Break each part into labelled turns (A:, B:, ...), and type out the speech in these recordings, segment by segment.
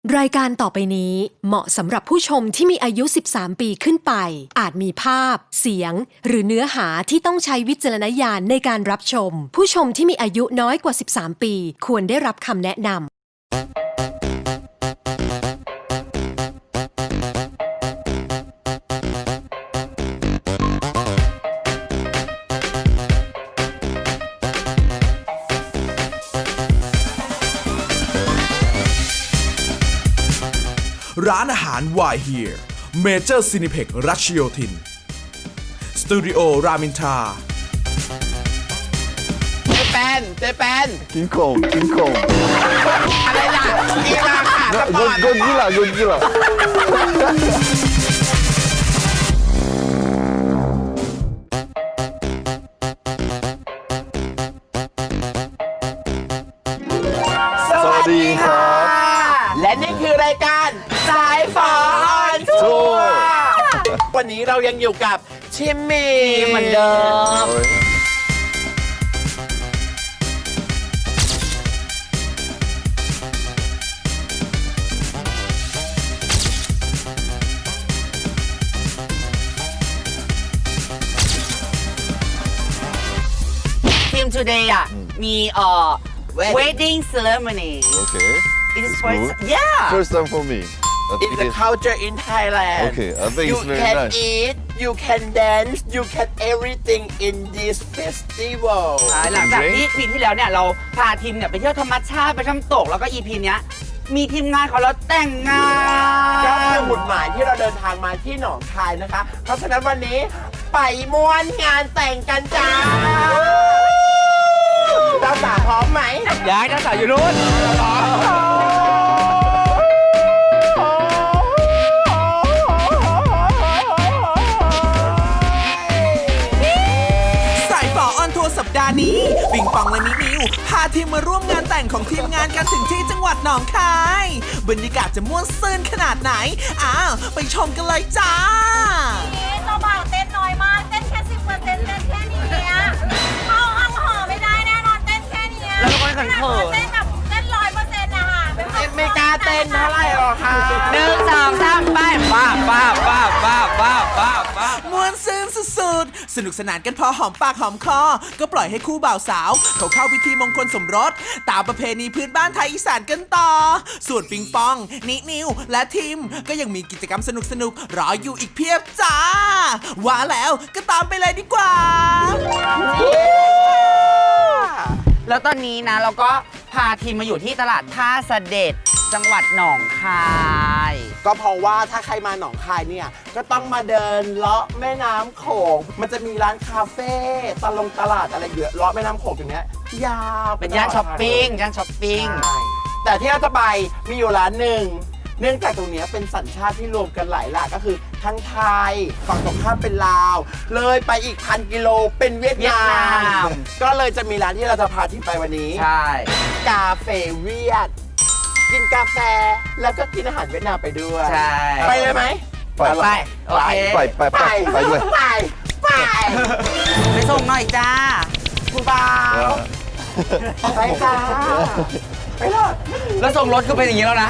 A: รายการต่อไปนี้เหมาะสำหรับผู้ชมที่มีอายุ 13 ปีขึ้นไป อาจมีภาพ เสียง หรือเนื้อหาที่ต้องใช้วิจารณญาณในการรับชม ผู้ชมที่มีอายุน้อยกว่า 13 ปีควรได้รับคำแนะนำ
B: ร้านอาหาร Why Here Major Cineplex รัชโยธินสตูดิโอรามินทรา
C: เจแปน
D: 킹콩
C: อะไรล่ะกีฬาค่ะสปอร์ต
D: 고질라
C: สวัสดีค่ะ
D: สวัสดีครับ
C: และนี่คือรายการสายฝออนทัวร์วันนี้เรายังอยู่กับชิมมี่เหมือนเดิมทีม today อ่ะมีwedding ceremony
D: Okay.
C: it is
D: It's
C: first
D: good.
C: yeah
D: First time for me. But
C: it's
D: it
C: the
D: is-
C: culture in Thailand
D: Okay, I think
C: you
D: it's very
C: can
D: nice.
C: eat you can dance you can everything in this festival
E: หลังจากที่ EP ที่แล้วเนี่ยเราพาทีมเนี่ยไปเที่ยวธรรมชาติไปน้ำตกแล้วก็ EP เนี้ยมีทีมงานเขาแล้วแต่งงา
C: ก็คื
E: น
C: อหมุดหมายที่เราเดินทางมาที่หนองคายนะคะ เพราะฉะนั้นวันนี้ไปม้วนงานแต่งกันจ้าเจ้าสาวพร้อมไหม
E: ย้ายเจ้าสาวอยู่นู้น
B: สายฝอออนทัวร์สัปดาห์นี้ปิงปองและนินิวพาทีมมาร่วมงานแต่งของทีมงานกันถึงที่จังหวัดหนองคายบรรยากาศจะม่วนซื่นขนาดไหนอ้าวไปชมกันเลยจ้า
F: เจ้าบ่าวเต้นน้อยมาก เต้นแค่10%เต้นแค่นี้เข้าห้องห่อไม่ได้แน่นอนเต้นแค่นี้
E: แล้วก็เขินเขิน
F: เต้นแบบเต้น100%นะคะเป็น
C: ไม่กล้าเต้นเท่าไหร่หรอกค่ะ
E: 1 2 3ไปป้าป้าป้าป้าป้าป้าป้า
B: ม่วนซื่นสุดๆ สนุกสนานกันพอหอมปากหอมคอ ก็ปล่อยให้คู่บ่าวสาวเขาเข้าพิธีมงคลสมรส ตามประเพณีพื้นบ้านไทยอีสานกันต่อ ส่วนปิงปอง นินิว และทีมก็ยังมีกิจกรรมสนุกๆ รออยู่อีกเพียบจ้า ว่าแล้วก็ตามไปเลยดีกว่า
E: แล้วตอนนี้นะเราก็พาทีมมาอยู่ที่ตลาดท่าเสด็จจังหวัดหนองคาย
C: ก็เพราะว่าถ้าใครมาหนองคายเนี่ย ก็ต้องมาเดินเลาะแม่น้ำโขง มันจะมีร้านคาเฟ่ตลาดอะไรเยอะเลาะแม่น้ำโขงอย่างเงี้ยยาว
E: เป็นย่านช้อปปิ้งย่านช้อปปิ้ง
C: ใช่แต่ที่เราจะไปมีอยู่ร้านหนึ่ง เนื่องจากตรงเนี้ยเป็นสัญชาติที่รวมกันหลายหลากก็คือทั้งไทยฝั่งตรงข้ามเป็นลาว เลยไปอีก1,000 กิโลเป็นเวียดนาม ก็เลยจะมีร้านที่เราจะพาที่ไปวันนี้
E: ใช่
C: กาเฟ่เวียด กินกาแฟแล้วก็กินอาหารเวียดนามไปด้วย
E: ใช่
C: ไปเลยไหม
D: ไป
E: ไปโอเค
D: ไปด้วย
C: ไป
E: ไปส่งหน่อยจ้า
C: คุณบ่าวไปจ้าไปเลย
E: แล้วส่งรถก็เป็นอย่างนี้แล้วนะ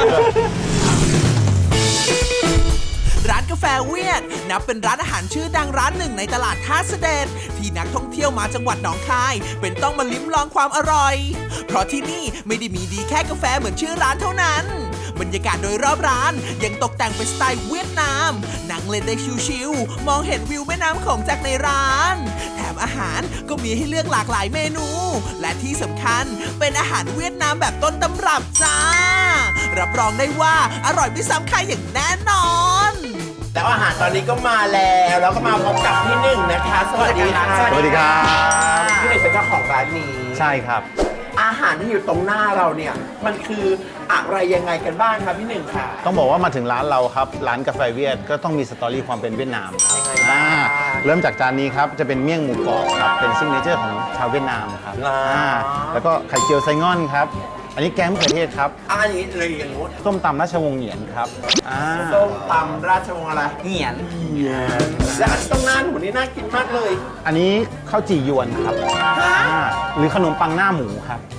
B: ร้านกาแฟเวียดนับเป็นร้านอาหารชื่อดังร้านหนึ่งในตลาดท่าเสด็จที่นักท่องเที่ยวมาจังหวัดหนองคายเป็นต้องมาลิ้มลองความอร่อย เพราะที่นี่ไม่ได้มีดีแค่กาแฟเหมือนชื่อร้านเท่านั้น บรรยากาศโดยรอบร้านยังตกแต่งเป็นสไตล์เวียดนามนั่งเล่นได้ชิวๆมองเห็นวิวแม่น้ำโขงจากในร้านแถมอาหารก็มีให้เลือกหลากหลายเมนู และที่สำคัญเป็นอาหารเวียดนามแบบต้นตำรับจ้ารับรองได้ว่าอร่อยไม่ซ้ำใครอย่างแน่นอน
C: แล้วอาหารตอนนี้ก็มาแล้วแล้วก็มาพบกับพี่หนึ่งนะคะ สวัสดีค่ะ
D: สวัสดีครับ
C: พี่หนึ่งเป็นเจ้าของร้านนี้
D: ใช่ครับ
C: อาหารที่อยู่ตรงหน้าเราเนี่ยมันคืออะไรยังไงกันบ้างครับพี่หนึ่งค่ะ
G: ต้องบอกว่ามาถึงร้านเราครับร้านกาแฟเวียดก็ต้องมีสตอรี่ความเป็นเวียดนามครับ
C: ยังไงบ้าง
G: เริ่มจากจานนี้ครับจะเป็นเมี่ยงหมูกรอบครับเป็นซิกเนเจอร์ของชาวเวียดนามครับแล้วก็ไข่เจียวไซง่อนครับอันนี้แกงมะเขือเทศครับ
C: อันนี้เลยอย่างงู้น
G: ส้มตำราชวงศ์เหงียนครับอ่า
C: ส้มตำราชวงศ์อะไร
E: เหงียน
C: และอันตรงหน้าหนูนี่น่ากินมากเลย
G: อันนี้ข้าวจี่ยวนครับหรือขนมปังหน้าหมูครับ
C: ข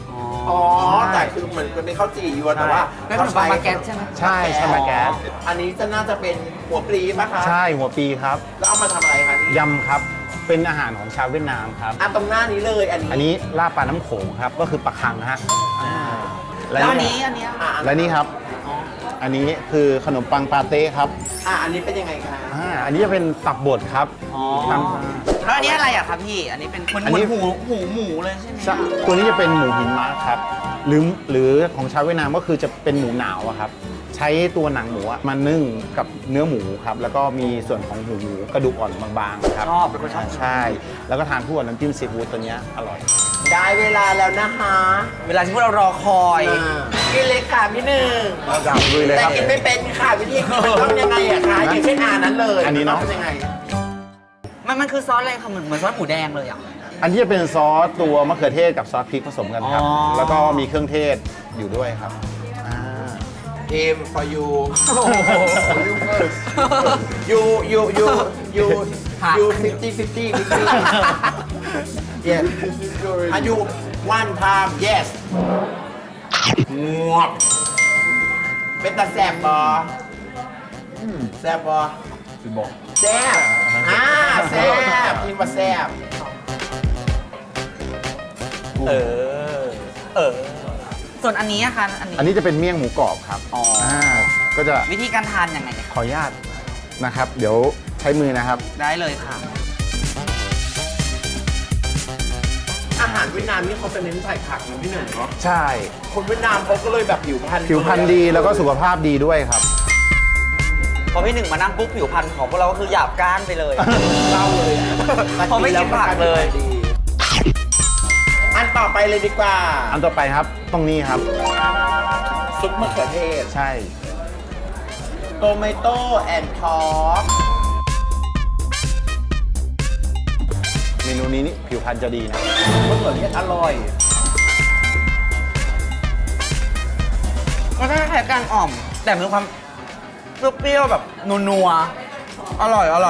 C: อ๋อ แต่คือเหมือนเป็นข้าวจี่ยวนแต่ว่า
E: แล้วขนมปังมาแกนใช่ไหม
G: ใช่ใช่มาแก๊ส
C: อันนี้จะน่าจะเป็นหัวปลีป่ะคะ
G: ใช่หัวปีครับ
C: แล้วเอามาทำอะไรคะนี่
G: ยำครับเป็นอาหารของชาวเวียดนามครับ
C: ตรงหน้านี้เลยอันนี้
G: อันนี้ลาบปลาน้ำโขงครับก็คือปลาคังฮะ
E: แล้วอันนี้อันเนี้ย
G: และนี่ครับ อันนี้คือขนมปังปาเต้ครับ
C: อันนี้เป็นยังไงคะ
G: อันนี้จะเป็นตับบดครับ
E: อ๋อ
G: ท
E: แล้วอันนี้อะไรอะครับพี่ อันนี้เป็นเหมือน
G: อันนี้
E: หมูเลยใช่ไหม
G: ำตัวนี้จะเป็นหมูหินม้าครับหรือของชาวเวียดนามก็คือจะเป็นหมูหนาวอะครับ ใช้ตัวหนังหมูอะมานึ่งกับเนื้อหมูครับ แล้วก็มีส่วนของหมูกระดูกอ่อนบางๆครับ
E: ชอบเป็นคนชอบ
G: ใช่ แล้วก็ทานคู่กับน้ำจิ้มซีฟู้ดตัวเนี้ยอร่อย
C: ได้เวลาแล้วนะคะ
E: เวลาที่พวกเรารอคอย
C: กินเลยค่ะพี่หนึ่ง
G: เราจะลุยเลย
C: แต่
G: ครับ
C: กินไม่เป็นค่ะวิธีกินมันต้องยังไงอะคะอย่างเช่นนั้นเลย
G: อันนี้เนอะ
C: มัต้องยังไง
E: มันคือซอสอะไรคะเหมือนซอสหมูแดงเลยอ่ะ
G: อันที่จะเป็นซอสตัวมะเขือเทศกับซอสพริกผสมกันครับ
E: อ๋อ
G: แล้วก็มีเครื่องเทศอยู่ด้วยครับ
C: ทีม for you you first you 50 yes are you one time yes งวบเป็นตาแสบบอแสบบอแซ่บแซ่บทีมว่าแซ่บ
E: ส่วนอันนี้อะคะอันนี้
G: อันนี้จะเป็นเมี่ยงหมูกรอบครับ
E: อ๋อ
G: ก็จะ
E: วิธีการทานยังไงเนี่ย
G: ขออนุญาตนะครับ เดี๋ยวใช้มือนะครับ
E: ได้เลยค่ะ
C: อาหารเวียดนามนี่เขาจะเน้นใส่ผักนะพี่หนึ่งเนาะ
G: ใช่
C: คนเวียดนามเขาก็เลยแบบผิวพรรณ
G: ผิวพรรณดีแล้วก็สุขภาพดีด้วยครับ
E: พอพี่หนึ่งมานั่งปุ๊บผิวพรรณของพวกเราก็คือหยาบก้านไปเลย
C: เล่าเลยอะ
E: เขาไม่กินผักเลย
C: อันต่อไปเลยดีกว่า
G: อันต่อไปครับตรงนี้ครับ
C: ซุปมะเขือเทศ
G: ใช่
C: โตเมโต้แอนด์ทอป
G: เมนูนี้นี่ผิวพรรณจะดีนะ
C: มะเขือเทศอร่อย
E: มันก็คล้ายๆการอ่อม แต่มีความเปรี้ยวๆแบบนัวๆอร่อย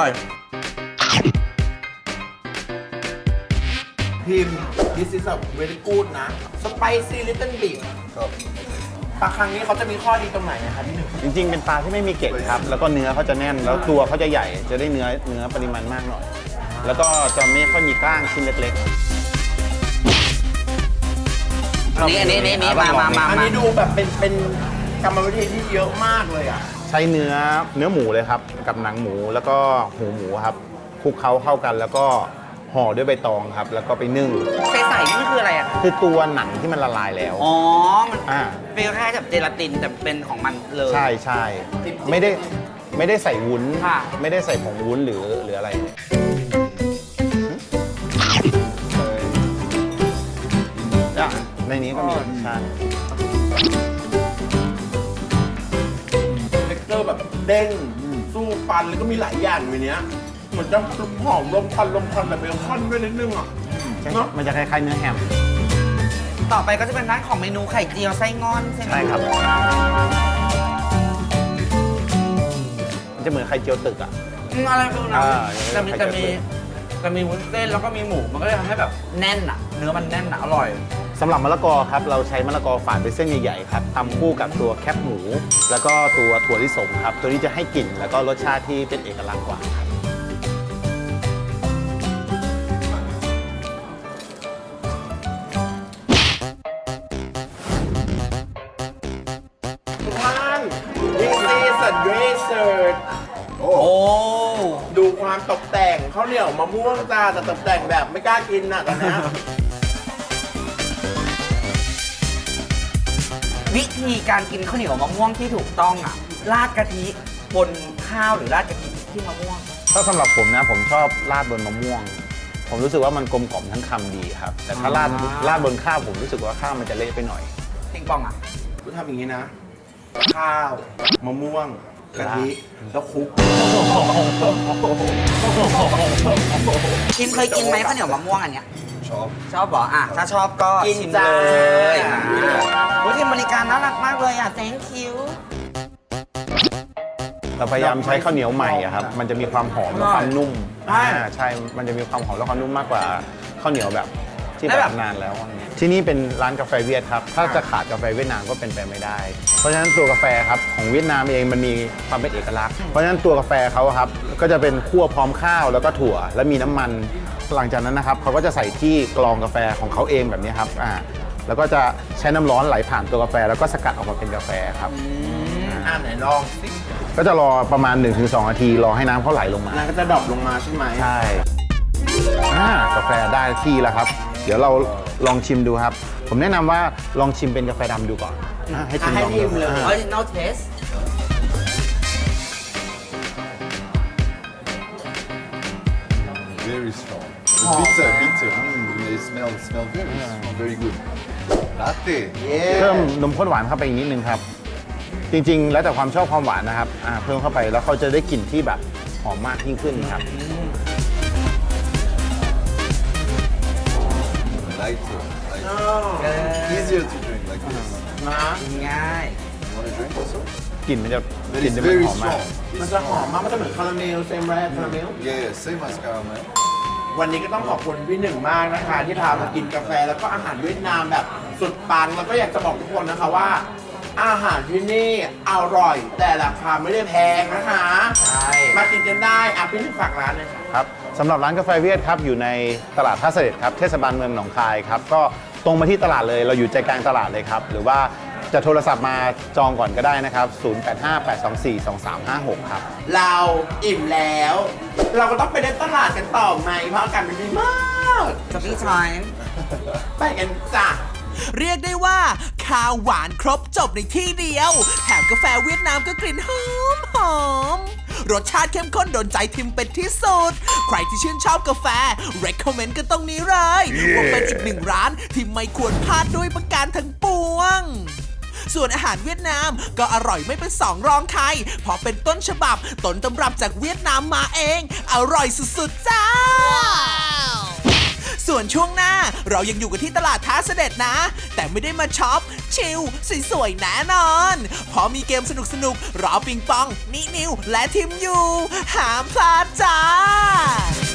C: พิมพ์ this is a very good นะ spicy little bit ปลาครั้งนี้เขาจะมีข้อดีตรงไหนนะคะพี่หนึ่ง
G: จริงๆ เป็นปลาที่ไม่มีเกล็ดครับ แล้วก็เนื้อเขาจะแน่น แล้วตัวเขาจะใหญ่ จะได้เนื้อปริมาณมากหน่อย แล้วก็จะไม่ค่อยมีกล้างชิ้นเล็ก
E: อันนี้มา
C: อันนี้ดูแบบเป็นกรรมวิธีที่เยอะมากเลยอ่ะ
G: ๆ ใช้เนื้อหมูเลยครับ กับหนังหมูแล้วก็หูหมูครับคลุกเคล้าเข้ากัน แล้วก็ห่อด้วยใบตองครับ แล้วก็ไปนึ่ง
E: ใสๆนี่มันคืออะไรอะ
G: คือตัวหนังที่มันละลายแล้ว
E: อ๋อ มัน
G: อ่า
E: เป็นคล้ายๆกับเจลาตินแต่เป็นของมันเลย
G: ใช่ไม่ได้ใส่วุ้น
E: ค่ะ
G: ไม่ได้ใส่ผงวุ้นหรืออะไรในนี้ก็มีใช่
C: เท็กเจอร์แบบเด้งสู้ฟันแล้วก็มีหลายอย่างในเนี้ยเหมือนจะหอมลมควันแบบเบคอนด้วยนิดนึงอ่ะเนาะ
G: มันจะคล้ายๆเนื้อแฮม
E: ต่อไปก็จะเป็นร้านของเมนูไข่เจียวไส้งอนใช่ไหม
G: ใช่ครับ มันจะเหมือนไข่เจียวตึกอ่ะ
E: อะไรฟิลนั้น
G: อ่า
E: แต่มีวุ้นเส้นแล้วก็มีหมูมันก็เลยทำให้แบบแน่นอะเนื้อมันแน่นอะอร่อย
G: สำหรับมะละกอครับ เราใช้มะละกอฝานเป็นเส้นใหญ่ๆครับตำคู่กับตัวแคบหมู แล้วก็ตัวถั่วลิสงครับ ตัวนี้จะให้กลิ่นแล้วก็รสชาติที่เป็นเอกลักษณ์กว่าครับ
C: ทุกท่าน this is a dessert โอ้
E: โอ้
C: ดูความตกแต่งข้าวเหนียวมะม่วงจ้าแต่ตกแต่งแบบไม่กล้ากินน่ะตอนเนี้ย
E: วิธีการกินข้าวเหนียวมะม่วงที่ถูกต้องอะราดกะทิบนข้าวหรือราดกะทิที่มะม่วง
G: ถ้าสำหรับผมนะผมชอบราดบนมะม่วง ผมรู้สึกว่ามันกลมกล่อมทั้งคำดีครับ แต่ถ้าราดบนข้าวผมรู้สึกว่าข้าวมันจะเละไปหน่อย
E: ปิงปองอะ
C: กูทำอย่างนี้นะ ข้าวมะม่วงกะทิแล้วคลุก
E: ชิมเคยกินไหมข้าวเหนียวมะม่วงอันเนี้ยชอบเหรออ่ะถ้าชอบก็
C: กิน
E: ชิม
C: จ้า
E: เลยวิธีบริการน่ารักมากเลยอ่ะ thank you
G: เราพยายามใช้ข้าวเหนียวใหม่อะครับ มันจะมีความหอมและความนุ่ม
E: ใช่
G: ใช่ มันจะมีความหอมและความนุ่มมากกว่าข้าวเหนียวแบบที่
E: แล้ว
G: แบ
E: แบบ
G: บนานแล้วอะไรเงี้ยที่นี่เป็นร้านกาแฟเวียดครับ ถ้าจะขาดกาแฟเวียดนามก็เป็นไปไม่ได้ เพราะฉะนั้นตัวกาแฟครับของเวียดนามเองมันมีความเป็นเอกลักษณ์ เพราะฉะนั้นตัวกาแฟเขาครับก็จะเป็นคั่วพร้อมข้าวแล้วก็ถั่วและมีน้ำมัน หลังจากนั้นนะครับเขาก็จะใส่ที่กรองกาแฟของเขาเองแบบนี้ครับแล้วก็จะใช้น้ำร้อนไหลผ่านตัวกาแฟแล้วก็สกัดออกมาเป็นกาแฟครับ
C: ไหนลองสิ
G: ก็จะรอประมาณ 1-2 นาทีรอให้น้ำเขาไหลลงมา
C: น้ำก็จะดรอปลงมาใช่ไหม
G: ใช่กาแฟได้ที่แล้วครับ เดี๋ยวเราลองชิมดูครับ ผมแนะนำว่าลองชิมเป็นกาแฟดำดูก่อนให้ชิมลองดู
E: original taste
D: Very strong. Bitter, bitter. It smell very good. Latte.
G: เพิ่มนมข้นหวานเข้าไปอีกนิดนึงครับ จริงๆ แล้วแต่ความชอบความหวานนะครับเพิ่มเข้าไปแล้วเขาจะได้กลิ่นที่แบบหอมมากยิ่งขึ้นครับ
D: Lighter. Easier to drink like this.
E: ง่าย
D: You want to drink also?
G: กลิ่นมันจะ
D: That
G: กลิ่น
D: is
G: จะมัน
D: very
G: หอมมาก
D: strong.
C: มันจะหอมมาก มันจะเหมือนคาราเมลเซมแรกคาราเมล
D: Yeah, same as caramel.
C: วันนี้ก็ต้องขอบคุณพี่หนึ่งมากนะคะ ที่พามากินกาแฟแล้วก็อาหารเวียดนามแบบสุดปังแล้วก็อยากจะบอกทุกคนนะคะว่า อาหารที่นี่อร่อย แต่ราคาไม่ได้แพงนะคะ
E: ใช่
C: มากินกันได้พี่หนึ่งฝากร้านเลยค่ะ
G: ครับสำหรับร้านกาแฟเวียดครับอยู่ในตลาดท่าเสด็จครับเทศบาลเมืองหนองคายครับก็ตรงมาที่ตลาดเลยเราอยู่ใจกลางตลาดเลยครับหรือว่าจะโทรศัพท์มาจองก่อนก็ได้นะครับ 0858242356 ครับ
C: เราอิ่มแล้ว เราก็ต้องไปเดินตลาดกันต่อไหมเพราะอากาศมันดีมาก
E: shopping time
C: ไปกันจ้ะ
B: เรียกได้ว่าข้าวหวานครบจบในที่เดียว แถมกาแฟเวียดนามก็กลิ่นหอมรสชาติเข้มข้นโดนใจทิมเป็นที่สุด ใครที่ชื่นชอบกาแฟ recommend กันตรงนี้เลยว่าเป็นอีกหนึ่งร้านที่ไม่ควรพลาดด้วยประการทั้งปวง ส่วนอาหารเวียดนามก็อร่อยไม่เป็นสองรองใครเพราะเป็นต้นฉบับต้นตำรับจากเวียดนามมาเอง อร่อยสุดๆจ้า ส่วนช่วงหน้าเรายังอยู่กันที่ตลาดท้าเสด็จนะ แต่ไม่ได้มาช็อป ชิลสวยๆแน่นอนเพราะมีเกมสนุกๆรอปิงปองนินิวและทิมอยู่ห้ามพลาดจ้า